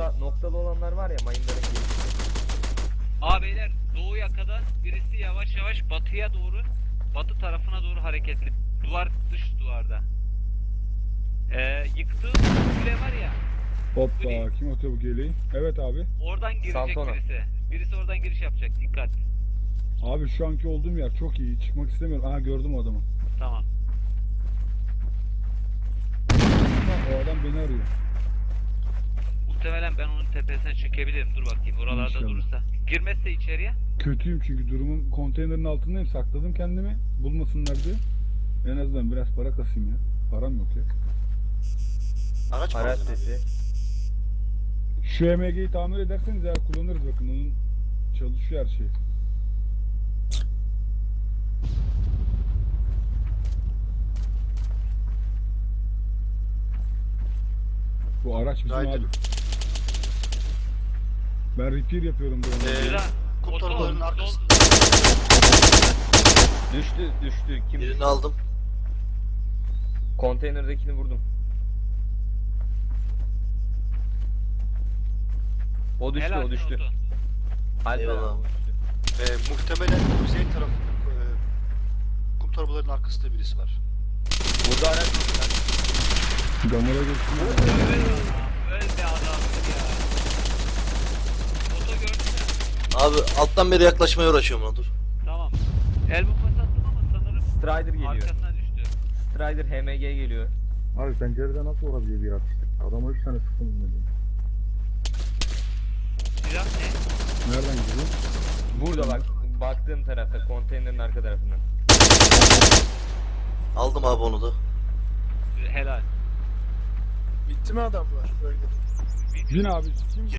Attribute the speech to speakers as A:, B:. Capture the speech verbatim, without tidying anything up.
A: nokta noktalı olanlar var ya, mayınların gelişi.
B: Aa beyler, doğu yakadan birisi yavaş yavaş batıya doğru, batı tarafına doğru hareketli. Duvar, dış duvarda. Ee, yıktığı kule var ya,
C: Hoppa, kim atıyor bu geleği? Evet abi.
B: oradan girecek
A: Santona.
B: birisi. Birisi oradan giriş yapacak, dikkat.
C: Abi şu anki olduğum yer çok iyi. Çıkmak istemiyorum. Aha, gördüm o adamı.
B: Tamam.
C: O adam beni arıyor.
B: Muhtemelen ben onun tepesine çekebilirim. Dur bakayım, oralarda
C: İnşallah.
B: durursa. Girmezse içeriye.
C: Kötüyüm çünkü durumum, konteynerin altındayım. Sakladım kendimi. Bulmasınlar diye. En azından biraz para kasayım ya. Param yok ya.
D: Araç mı
A: Araç
D: aldın abi?
A: sesi.
C: Şu M G'yi tamir ederseniz eğer kullanırız, bakın onun çalışıyor her şey. Bu araç bizim
D: Haydi.
C: abi. Ben repair yapıyorum bu
D: Ee,
C: onu.
B: Güzel.
D: kum
B: Oto,
D: torbalarının
B: sol.
D: arkasında.
A: Düştü düştü. Kim?
E: Birini aldım.
A: Konteynerdekini vurdum. O düştü
B: Helal
A: o düştü.
B: olsun.
A: Alper
E: Eyvallah.
A: abi, o düştü.
D: Ee, muhtemelen kuzey tarafında e, kum torbalarının arkasında birisi var.
A: Burada araç var.
C: Gamora geçtim.
B: Öl öl be adamsın ya. Oto gördün mü?
E: Abi alttan beri yaklaşmaya uğraşıyorum ona, dur.
B: Tamam. El bombası attım ama sanırım
A: Strider geliyor.
B: arkasına düştü.
A: Strider H M G geliyor.
F: Abi pencerede nasıl olabilir bir atış? Adama üç tane sıktım dedim.
B: Silah ne?
C: Nereden gidiyor?
A: Burada bak. Baktığım tarafta, konteynerin arka tarafından.
E: Aldım abi onu da.
B: Helal.
G: Bitti mi adamlar? Bölgede.
C: Bin abi. Kim?